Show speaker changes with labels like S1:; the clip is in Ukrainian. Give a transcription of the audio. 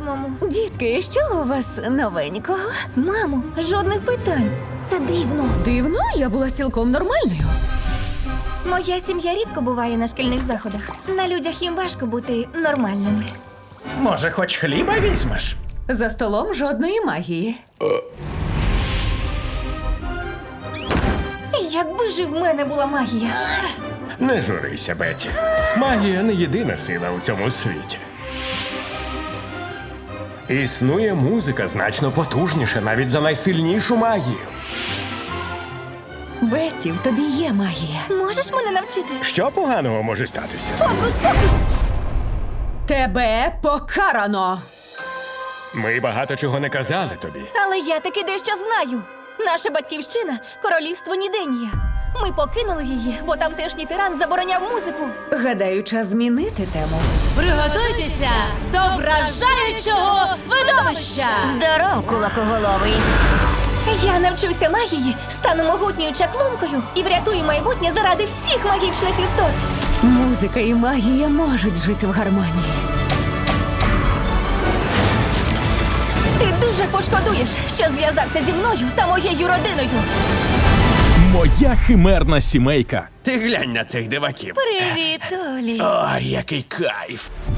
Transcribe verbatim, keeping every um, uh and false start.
S1: мамо.
S2: Дітки, що у вас новенького?
S1: Мамо, жодних питань. Це дивно.
S2: Дивно, я була цілком нормальною.
S1: Моя сім'я рідко буває на шкільних заходах. На людях їм важко бути нормальними.
S3: Може, хоч хліба візьмеш?
S2: За столом жодної магії.
S1: Якби ж і в мене була магія.
S3: Не журися, Бетті. Магія не єдина сила у цьому світі. Існує музика значно потужніша навіть за найсильнішу магію.
S2: Бетті, в тобі є магія.
S1: Можеш мене навчити?
S3: Що поганого може статися?
S1: Фокус-покус!
S2: Тебе покарано!
S3: Ми багато чого не казали тобі.
S1: Але я таки дещо знаю. Наша батьківщина – королівство Ніденія. Ми покинули її, бо тамтешній тиран забороняв музику.
S2: Гадаю, час змінити тему.
S4: Приготуйтеся до вражаючого видовища!
S1: Здоров, кулакоголовий! Я навчуся магії, стану могутньою чаклункою і врятую майбутнє заради всіх магічних істот.
S2: Музика і магія можуть жити в гармонії.
S1: Ти дуже пошкодуєш, що зв'язався зі мною та моєю родиною.
S5: Моя химерна сімейка.
S3: Ти глянь на цих диваків.
S1: Привіт, Олі.
S3: Ой, який кайф.